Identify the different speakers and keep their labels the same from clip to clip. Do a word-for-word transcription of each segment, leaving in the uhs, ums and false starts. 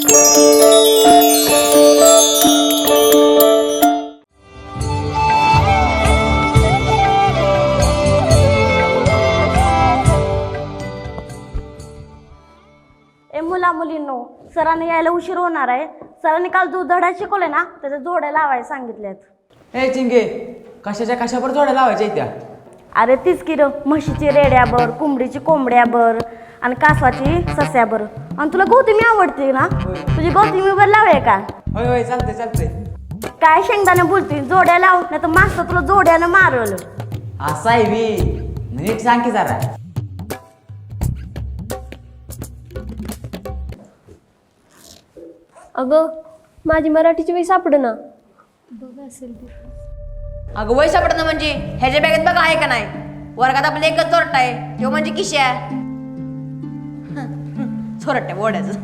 Speaker 1: ए मुला मुलींनो, सरांनी यायला उशीर होणार आहे. सरांनी काल जो धडा शिकवले ना त्याच्या जोड्या लावायला सांगितल्यात.
Speaker 2: ए चिंगे, कशाच्या कशावर जोड्या लावायच्या त्या?
Speaker 1: अरे तीच की र, म्हशीची रेड्याबर, कोंबडीची कोंबड्याबर आणि कासवाची सस्याबर. आणि तुला गौतमी आवडते ना, तुझी गौतमीवर लावूया का?
Speaker 2: होय होय चालते चालते.
Speaker 1: काय शेंगदाणे बोलते, जोड्या लाव नाही तर मास्तर तुला जोड्यानं मारल.
Speaker 2: असं आहे बी, नीट सांग की जरा.
Speaker 3: अगं माझी मराठीची वही सापडेना.
Speaker 4: अगं वय सापडणं म्हणजे ह्याच्या बॅगेत बघा आहे का नाही. वर्गात आपलं एकच चोरटा आहे, तो म्हणजे किश्या. चोरट्या बोड्याचं.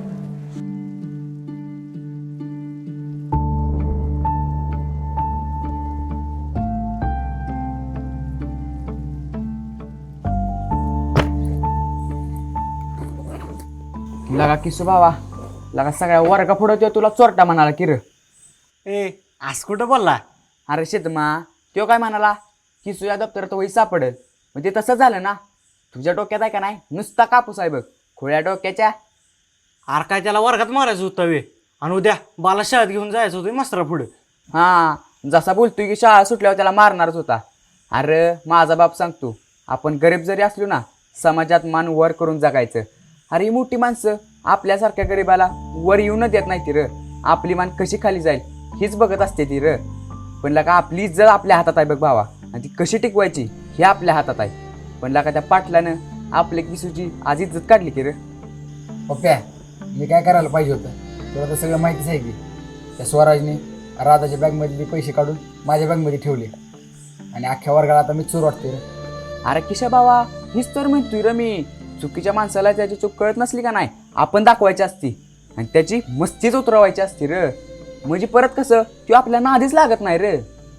Speaker 2: लगा किसू बाबा, लगा सगळ्या वर्गा पुढं तो तुला चोरटा म्हणाला की र.
Speaker 5: ए आज कुठं बोलला?
Speaker 2: अरे शेतमा, तो काय म्हणाला किसू या दप्तरात वही सापडेल. मग ते तसं झालं ना. तुझ्या डोक्यात आहे का नाही नुसता कापूस आहे बघ, खोळ्या डोक्याच्या.
Speaker 5: आर काय त्याला वर्गात मारायचं होतं वे, आणि उद्या बाला शाळेत घेऊन जायचं होतं मास्तरा पुढे.
Speaker 2: हां, जसा बोलतोय की शाळा सुटल्यावर त्याला मारणारच होता. अरे माझा बाप सांगतो, आपण गरीब जरी असलो ना समाजात मान वर करून जगायचं. अरे ही मोठी माणसं आपल्यासारख्या गरीबाला वर येऊन देत नाही ती र. आपली मान कशी खाली जाईल हीच बघत असते ती र. पण लका आपली इज्जत आपल्या हातात आहे बघ भावा, आणि ती कशी टिकवायची हे आपल्या हातात आहे. पण लका त्या पाटलानं आपल्या किसूची आज इज्जत काढली की र.
Speaker 6: पप्प्या, मी काय करायला पाहिजे होतं तुला तर सगळं माहितीच आहे की. त्या स्वराजने राधाच्या बॅगमधले पैसे काढून माझ्या बॅगमध्ये ठेवले आणि अख्ख्या वर्गाला आता मी चोर वाटते रे.
Speaker 2: अरे किशा बाबा, हीच तर म्हणतोय र मी. चुकीच्या माणसाला त्याची चूक कळत नसली का नाही आपण दाखवायची असती आणि त्याची मस्तीच उतरवायची असती र. म्हणजे परत कसं तो आपल्या नादीच लागत नाही रे.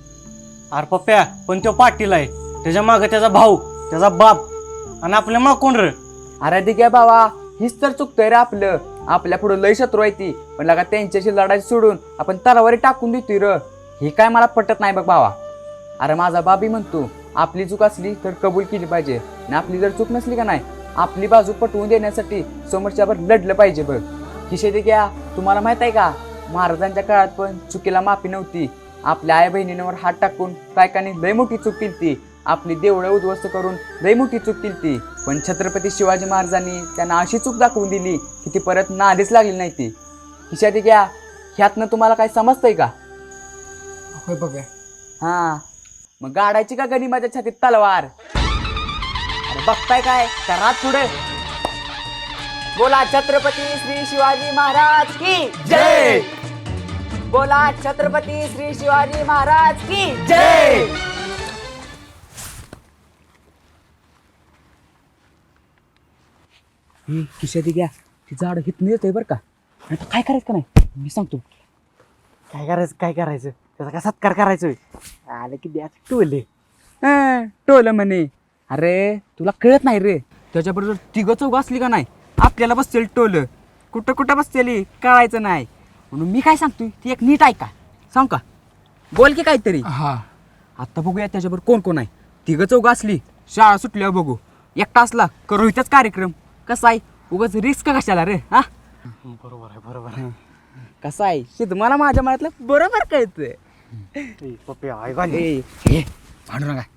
Speaker 5: आर पप्प्या, पण तो पाटील आहे, त्याच्या मागं त्याचा भाऊ, त्याचा बाप, आणि आपल्या माग कोण रे?
Speaker 2: अरे ठीक आहे बाबा, हीच तर चुकतंय रे आपलं. आपल्या पुढे लय शत्रू आहे ती, पण लगा त्यांच्याशी लढायची सोडून आपण तलवारी टाकून देतोय र. हे काय मला पटत नाही बघ भावा. अरे माझा बाबी म्हणतो आपली चूक असली तर कबूल केली पाहिजे, आणि आपली जर चूक नसली का नाही आपली बाजू पटवून देण्यासाठी समोरच्यावर लढलं पाहिजे बघ. किशे ते घ्या, तुम्हाला माहित आहे का महाराजांच्या काळात पण चुकीला माफी नव्हती. आपल्या आई बहिणींवर हात टाकून कायकाने लय मोठी चूक केली ती. आपली देवळं उद्ध्वस्त करून लय मोठी चूक केली ती. पण छत्रपती शिवाजी महाराजांनी त्यांना अशी चूक दाखवून दिली की ती परत नादीच लागली नाही ती. किशा ते घ्या, ह्यातनं तुम्हाला काय समजतंय का?
Speaker 6: होय पप्प्या.
Speaker 2: हां, मग गाडायची का गणी माझ्या छातीत तलवार? अरे बघताय काय करा पुढे. बोला छत्रपती श्री शिवाजी महाराज की जय. बोला छत्रपती श्री शिवाजी महाराज की जय. ही किशा घ्या, ती झाड हितून येतोय बरं का. आता काय करायचं का नाही मी सांगतो.
Speaker 5: काय करायचं काय करायचं त्याचा काय सत्कार करायचं? आलं की द्या टोले.
Speaker 2: टोल म्हणे. अरे तुला कळत नाही रे, त्याच्याबरोबर तिघं चौघ असली का नाही आपल्याला बसतेल टोल. कुठं कुठं बसतेली कळायचं नाही. म्हणून मी काय सांगतोय ती एक नीट ऐका. सांग का? बोल की काहीतरी.
Speaker 6: हा,
Speaker 2: आता बघूया त्याच्याबरोबर कोण कोण आहे. तिघं चौघ असली शाळा सुटल्यावर बघू. एकटा असला करू इथंच कार्यक्रम. कसा आहे उगाच रिस्क कशाला रे. हा
Speaker 5: बरोबर आहे बरोबर आहे.
Speaker 2: कसा आहे शिद मला माझ्या मनातलं बरोबर कळतंय.
Speaker 5: पप्प्या आई घाली.
Speaker 2: ए, ए, भांडू नका.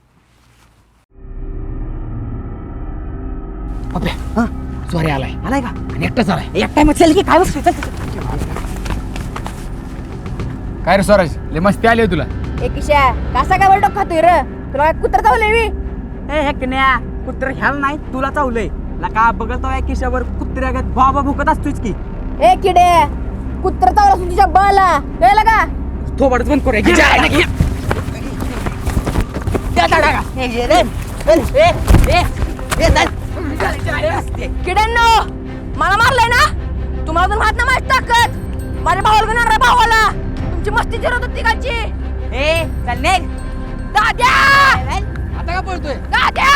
Speaker 6: पप्प्या, हा सॉरी आलाय.
Speaker 2: आलाय का?
Speaker 6: आणि एकटाच आलाय.
Speaker 2: एकटा मग चल की काय बसतोय. चल, चल, चल.
Speaker 6: काय रे स्वराज, लय मस्ती आली तुला.
Speaker 4: ए किश्या, कसा काय वर डोकं खातोय र? तुला काय कुत्र चावलंय मी?
Speaker 2: ए हेकण्या, कुत्र ह्याला नाही तुला चावलंय. लका बघतो या किशावर कुत्र्यागत बाबा भुकत असतोच की.
Speaker 4: ए किडे, कुत्र चावला तुझ्या बाला कळलं का?
Speaker 2: थोबडच बंद करूया.
Speaker 4: किड्यांनो, मला मारलंय ना तुम्हाला अजून माहित ना माझी ताकद. माझ्या भावाला घेणार भावाला तुमची मस्ती जिरवत होती तिघांची.
Speaker 2: ए चल निघ.
Speaker 4: दाद्या,
Speaker 6: आता का पळतोय?
Speaker 4: दाद्या.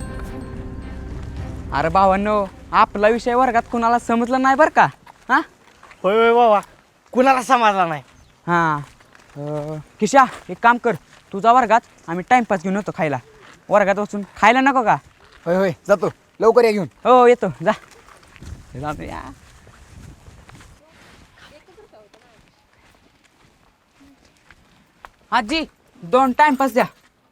Speaker 2: अरे भावांनो, आपला विषय वर्गात कोणाला समजला नाही बरं का. हा
Speaker 5: होय होय बाबा कुणाला समाधान नाही.
Speaker 2: हां अं, किशा एक काम कर तुझा वर्गात आम्ही टाइमपास घेऊन येतो खायला. वर्गात बसून खायला नको का?
Speaker 6: होय होय जातो लवकर या घेऊन.
Speaker 2: हो येतो जा जातो या. आजी दोन टाइमपास द्या.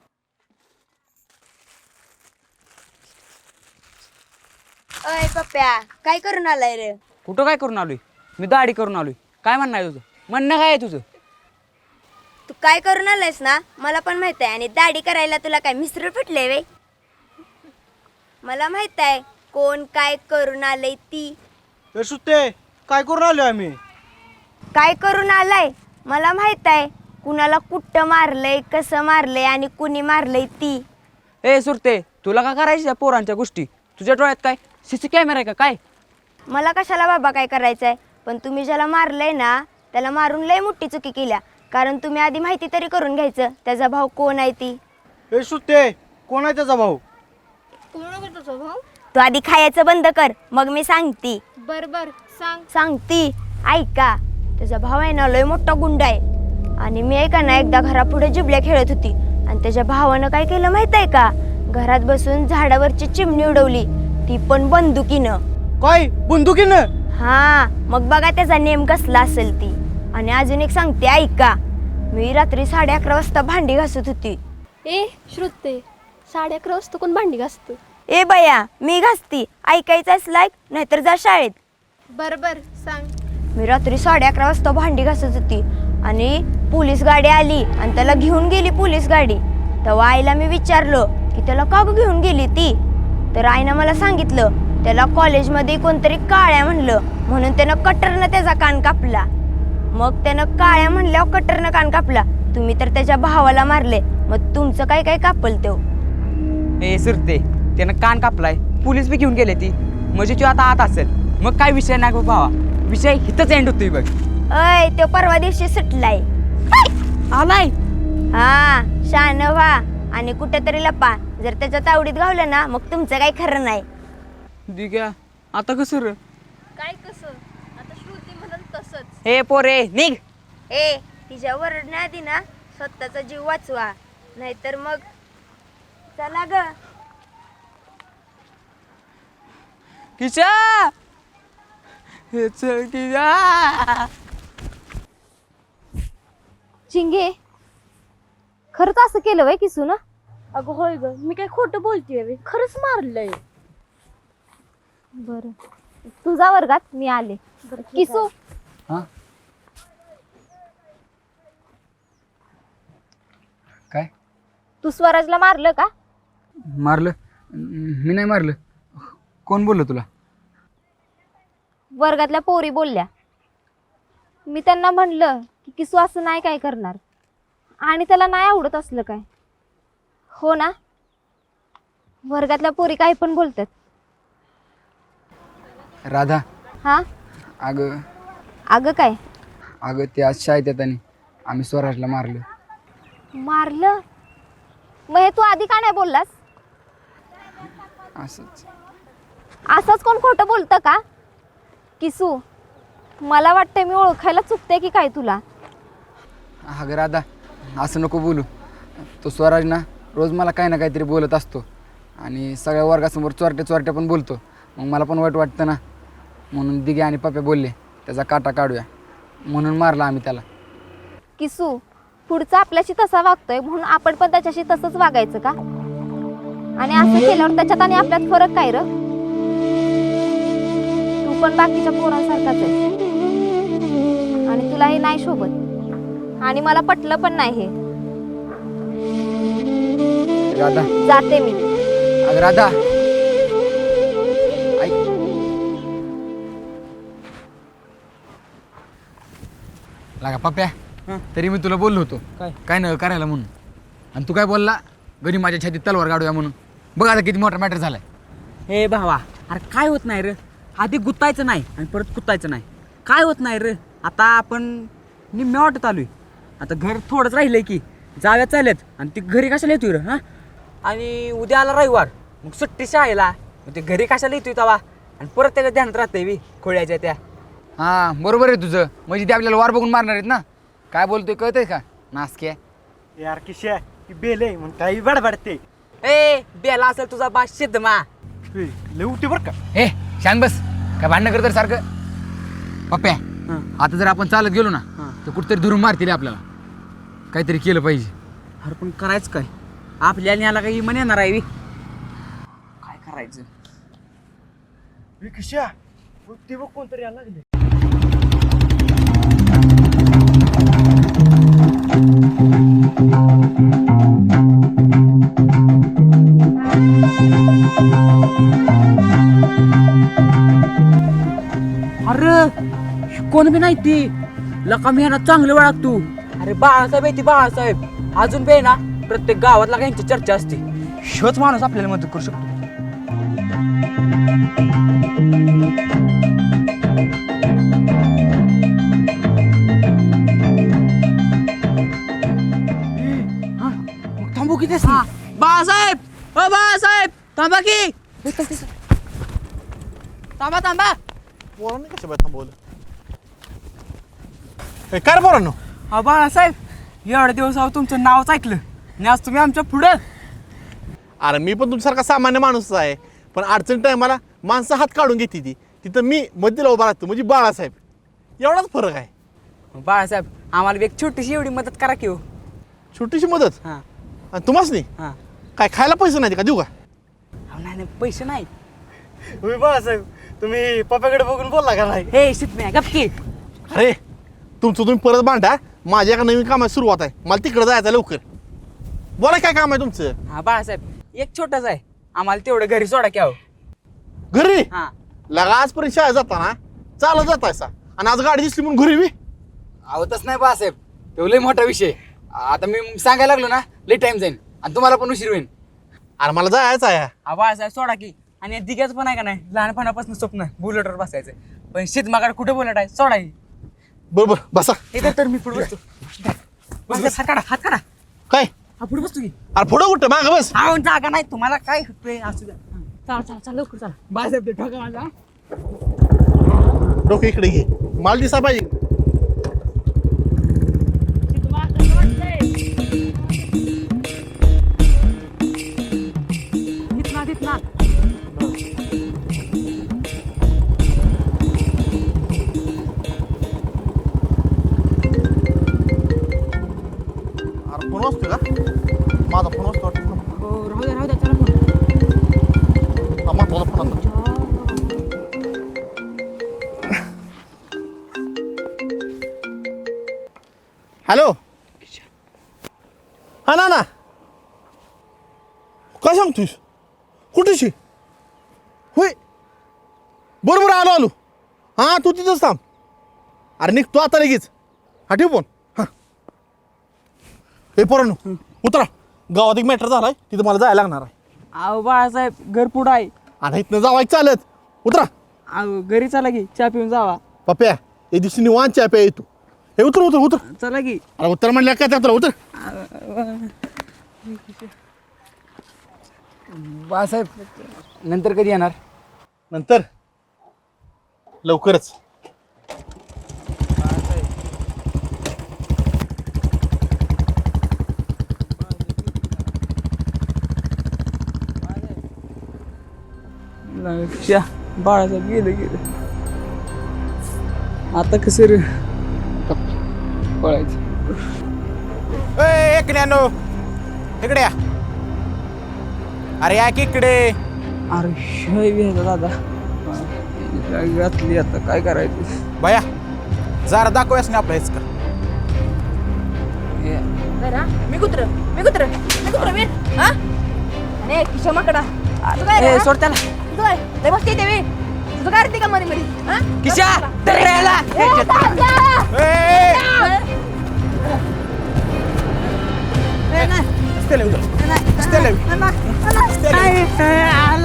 Speaker 7: अय पप्प्या काय करून आलाय रे?
Speaker 2: कुठं काय करून आलोय? मी दाढी करून आलोय. काय म्हणणं आहे तुझं? म्हणणं काय आहे तुझं?
Speaker 7: तू काय करून आलायस ना मला पण माहित आहे. आणि दाढी करायला तुला काय मिस्टर फुटले वे? मला माहित आहे कोण काय करून आलंय ती.
Speaker 5: ए सुट्टे काय करून आलो आम्ही?
Speaker 7: काय करून आलाय मला माहित आहे. कुणाला कुठं मारलंय, कसं मारलंय आणि कुणी मारलंय ती.
Speaker 2: ए सुरते तुला का करायच्या या पोरांच्या गोष्टी? तुझ्या डोळ्यात काय सीसी कॅमेरा आहे का काय?
Speaker 7: मला कशाला बाबा काय करायचंय, पण तुम्ही ज्याला मारलंय ना त्याला मारून लय मोठी चुकी केल्या. कारण तुम्ही आधी माहिती तरी करून घ्यायचं त्याचा भाऊ कोण आहे ती.
Speaker 5: ए सुट्टे कोण आहे त्याचा भाऊ?
Speaker 7: तू आधी खायचं बंद कर मग मी सांगती.
Speaker 3: बर बर सांग.
Speaker 7: सांगती ऐका. त्याचा भाव आहे ना लय मोठा गुंडा आहे. आणि मी ऐका ना एकदा घरापुढे जिबल्या खेळत होती आणि त्याच्या भावानं काय केलं माहित आहे का? घरात बसून झाडावरची चिमणी उडवली, ती पण बंदुकीनं.
Speaker 5: काय बंदुकीनं?
Speaker 7: हा मग बघा त्याचा नेम कसला असेल ती. आणि अजून एक सांगते ऐका. मी रात्री साडे अकरा वाजता भांडी घासत होती.
Speaker 3: ए श्रुते साडे अकरा वाजता कोण भांडी घासतं?
Speaker 7: ए बया मी घासती. ऐकायचं असलाय नाहीतर जा शाळेत.
Speaker 3: बर बर सांग.
Speaker 7: मी रात्री साडे अकरा वाजता भांडी घासत होती आणि पोलीस गाडी आली आणि त्याला घेऊन गेली पोलीस गाडी. तेव्हा आईला मी विचारलं की त्याला का ग घेऊन गेली ती? तर आईनं मला सांगितलं त्याला कॉलेजमध्ये कोणतरी काळ्या म्हणलं म्हणून त्यानं कटरनं त्याचा कान कापला. मग त्यानं काळ्या म्हणल्यावर कटरनं कान कापला. तुम्ही तर त्याच्या भावाला मारले, मग तुमचं काय काय कापल तो?
Speaker 2: ए सुरते त्यानं कान कापलाय, पोलीस बी घेऊन गेले ती, म्हणजे तू आता आत असेल. मग काय विषय नाही गं भावा, विषय हिथंच एंड होतोय बघ.
Speaker 7: अय तो परवा दिवशी सुटलाय.
Speaker 2: आलाय
Speaker 7: हा शान व्हा आणि कुठेतरी लपा. जर त्याच्या तावडीत गावलं ना मग तुमचं काही खरं नाही.
Speaker 2: दिग्या आता कसं र?
Speaker 3: काय कसं? आता श्रुती म्हणून तसंच.
Speaker 2: हे पोरे निघ.
Speaker 7: ए तिच्या वरडण्याआधी ना स्वतःचा जीव वाचवा, नाहीतर मग चला ग.
Speaker 2: किशा हे चल किशा.
Speaker 3: चिंगे खरंच असं केलं वय किसू ना?
Speaker 1: अगं होय ग, मी काय खोटं बोलतेय? खरंच मारलंय.
Speaker 3: बर तुझा वर्गात मी आले. किसू
Speaker 6: हां काय
Speaker 3: तू स्वराजला मारलं का?
Speaker 6: मारलं? मी नाही मारलं. कोण बोललं तुला?
Speaker 3: वर्गातल्या पोरी बोलल्या. मी त्यांना म्हणलं की किसू असं नाही काय करणार आणि त्याला नाही आवडत असलं काय. हो ना? वर्गातल्या पोरी काही पण बोलतात.
Speaker 6: राधा
Speaker 3: हा
Speaker 6: अगं
Speaker 3: अगं काय
Speaker 6: अगं ते आज शाळेत येताना आम्ही स्वराजला मारलं.
Speaker 3: मारलं? मग हे तू आधी का नाही बोललास?
Speaker 6: असंच
Speaker 3: असंच कोण खोटं बोलतं का? किसू मला वाटतं मी ओळखायला चुकते की काय तुला?
Speaker 6: अगं राधा असं नको बोलू. तो स्वराज ना रोज मला काही ना काहीतरी बोलत असतो आणि सगळ्या वर्गासमोर चोरट्या चोरट्या पण बोलतो. मग मला पण वाईट वाटतं ना, म्हणून दिगे आणि पप्पा बोलले त्याचा काटा काढूया, म्हणून मारला आम्ही त्याला.
Speaker 3: किसू पुढचा आपल्याशी तसा वागतोय म्हणून आपण पण त्याच्याशी तसंच वागायचं का? आणि असं केल्यावर त्याच्यात आणि आपल्यात फरक काय र? तू पण बाकीच्या पोरांसारखाच आहे आणि तुला हे नाही शोभत आणि मला पटलं पण नाही हे.
Speaker 6: राधा
Speaker 3: जाते मी.
Speaker 6: अगं राधा ऐक. लागा पप्प्या तरी मी तुला बोललो होतो
Speaker 2: काय?
Speaker 6: काय न करायला म्हणून, आणि तू काय बोलला घरी माझ्या छातीत तलवार काढूया म्हणून. बघ आता किती मोठा मॅटर झालाय.
Speaker 2: हे भावा अरे काय होत नाही र, आधी गुतायचं नाही आणि परत कुतायचं नाही. काय होत नाही र, आता आपण निम्म्या वाटत आलोय. आता घर थोडंच राहिलंय की जाव्या चालत आणि ती घरी कशाला येतोय र? हां आणि उद्या आला रविवार मग सुट्टी शाळेला, मग ते घरी कशाला येतोय तवा आणि परत त्याच्या ध्यानात राहतंय बी खोळ्याच्या त्या.
Speaker 6: हां बरोबर आहे तुझं, म्हणजे ते आपल्याला वार बघून मारणार आहेत ना. काय बोलतोय कळतंय का नासक्या?
Speaker 5: यार किशा ती बेले म्हणून काही बडबडते.
Speaker 2: ए बेला असेल तुझा बा सिद्धमा.
Speaker 5: लय उठी बरं का.
Speaker 6: ए शांत बस, काय भांडणं करत सारखं? पप्प्या आता जर आपण चालत गेलो ना तर कुठतरी धरून मारतील आपल्याला. काहीतरी केलं पाहिजे.
Speaker 2: अरे पण करायचं काय? आपल्याला न्यायला काही म्हण येणार आहे बे. काय करायचं?
Speaker 5: किशा ते बघ कोणतरी यायला लागले.
Speaker 2: अरे कोण बी नाही ती लका मी ना चांगलं ओळख तू. अरे बाळासाहेब आहे ती बाळासाहेब. अजून बे ना प्रत्येक गावातला यांची चर्चा असते. शोच माणूस आपल्याला मदत करू शकतो. थांबू किती बाळासाहेब. अ बाळासाहेब थांबा की. थांबा थांबा.
Speaker 8: पोरांनी कशा बाय थांबवलं? ए, काय रे पोरांनो?
Speaker 2: हा बाळासाहेब एवढ्या दिवस अहो तुमचं नावच ऐकलं आणि आज तुम्ही आमच्या पुढं.
Speaker 8: अरे मी पण तुमच्यासारखा सामान्य माणूस आहे, पण अडचण टायमाला माणसं हात काढून घेते ती तिथं मी मध्येला उभा राहतो म्हणजे बाळासाहेब. एवढाच फरक आहे.
Speaker 2: बाळासाहेब आम्हाला बी एक छोटीशी एवढी मदत करा की हो.
Speaker 8: छोटीशी मदत.
Speaker 2: हां
Speaker 8: आणि तुम्हाच नाही
Speaker 2: हां.
Speaker 8: काय खायला पैसे नाही का देऊ का?
Speaker 2: अहो, नाही नाही पैसे नाही.
Speaker 5: होय बाळासाहेब तुम्ही पप्याकडे बघून बोलला का नाही?
Speaker 2: हे शिकण्या गपकी.
Speaker 8: अरे तुमचं तुम्ही परत बांधा. माझ्या एका नवीन कामाची सुरुवात आहे, मला तिकडे जायचं लवकर. बोला काय काम आहे तुमचं?
Speaker 2: हा बाळासाहेब एक छोटाच आहे, आम्हाला तेवढं घरी सोडा की अहो.
Speaker 8: घरी
Speaker 2: हा
Speaker 8: लगा आजपर्यंत शाळेत जाताना चालत जातायसा आणि आज गाडी दिसली म्हणून घरी बी.
Speaker 6: आवतच नाही बाळासाहेब, तो लय मोठा विषय. आता मी सांगायला लागलो ना लय टाइम जाईल आणि तुम्हाला पण उशीर होईल.
Speaker 8: अरे मला जायचं आहे.
Speaker 2: हा बाळासाहेब सोडा की. आणि दिग्याच पण आहे का नाही लहानपणापासून स्वप्न बुलेटवर बसायचं, पण शेतमागाड कुठे बुलेट आहे सोडा की.
Speaker 8: बरोबर बसा.
Speaker 2: इथं तर मी पुढे बसतो. बस, हात काढा हात काढा.
Speaker 8: काय?
Speaker 2: हा पुढे बसतो की.
Speaker 8: अरे पुढं कुठं माग बस.
Speaker 2: हा जागा नाही तुम्हाला काय होतंय असू द्या. चला चला चला लवकर चला. बाळासाहेब ते ठोका माझा.
Speaker 8: डोकं इकडे घे, माल दिसा पाहिजे.
Speaker 2: तिथना तिथना.
Speaker 8: अरे फोन वाजतोय का? माझा फोन वाजतो वाटतं.
Speaker 2: हो राहू द्या राहू द्या चला पुढे.
Speaker 8: हा महत्वाचा फोन आता. हॅलो. हा ना ना काय सांगतोयस? कुठेशी? होय बरोबर आलो आलो. हां तू तिथंच थांब. अरे निघतो आता लगेच. हा ठेव फोन. हां हे पोरांनो उतरा, गावात एक मॅटर झालाय तिथं मला जायला लागणार आहे.
Speaker 2: अहो बाळासाहेब घर पुढं आहे.
Speaker 8: आणि इथनं जावाय चालत. उतरा.
Speaker 2: अहो घरी चला की चहा पिऊन जावा.
Speaker 8: पप्प्या एक दिवशी निवांत चहा प्या येतो. हे उतर उतर उतर.
Speaker 2: चला की.
Speaker 8: अरे उत्तर म्हणल्या काय त्यात उतर.
Speaker 6: बाळासाहेब नंतर कधी येणार?
Speaker 8: नंतर लवकरच.
Speaker 2: बाळासाहेब गेलं गेलं. आता कसं रे
Speaker 6: पळायचं.
Speaker 9: एक नॅनो इकडे या. अरे या की इकडे.
Speaker 2: अरे शिवाय घ्यायचा दादा. काय घातली आता काय करायचं?
Speaker 9: भया जरा दाखवूयास ना आपल्या का.
Speaker 4: मी कुत्र मी कुत्र मी कुत्र मी हा अरे किशा माकडा तुझं काय रे,
Speaker 2: ए,
Speaker 4: हा?
Speaker 2: सोड त्याला.
Speaker 4: तुझं काय लय मस्ती येते मी. तुझं काय रे का मध्ये मध्ये हा?
Speaker 2: किशा तर याला.
Speaker 4: ए, तात्या!
Speaker 9: ए,
Speaker 4: ए, नाही.
Speaker 9: स्टेले उतर.
Speaker 4: नाही, नाही,
Speaker 9: स्टेले.
Speaker 4: नाही, नाही, नाही.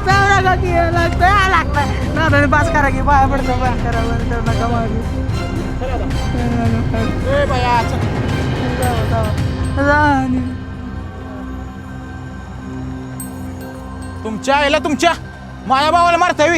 Speaker 2: बास करा की बाया पडतो बाया करा नका मारू.
Speaker 9: ए बाया चल. तुमच्या आईला तुमच्या माझ्या भावाला मारतावी.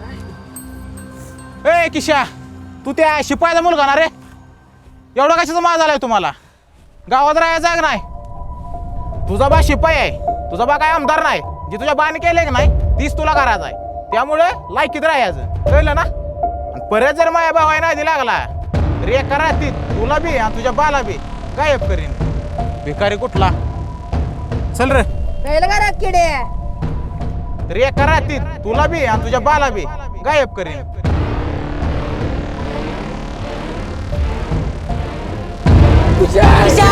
Speaker 9: ए किशा तू त्या शिपायाचा मुलगा ना रे. एवढा कशाचा माज आलाय तुम्हाला. गावात राहायचा जाग नाही. तुझा बा शिपाई आहे. तुझा बा काय आमदार नाही. जे तुझ्या बाने केले की नाही तीच तुला करायचं आहे. त्यामुळे लायकीत राहायचं कळलं ना. आणि परत जर माझ्या भावाय नाही लागला तर एका रात्रीत तुला बी आणि तुझ्या बाला बी गायब करीन. भिकारी कुठला. चल रे. तर एका रात्रीत तुला बी आणि तुझ्या बाला बी गायब करीन.
Speaker 4: किशा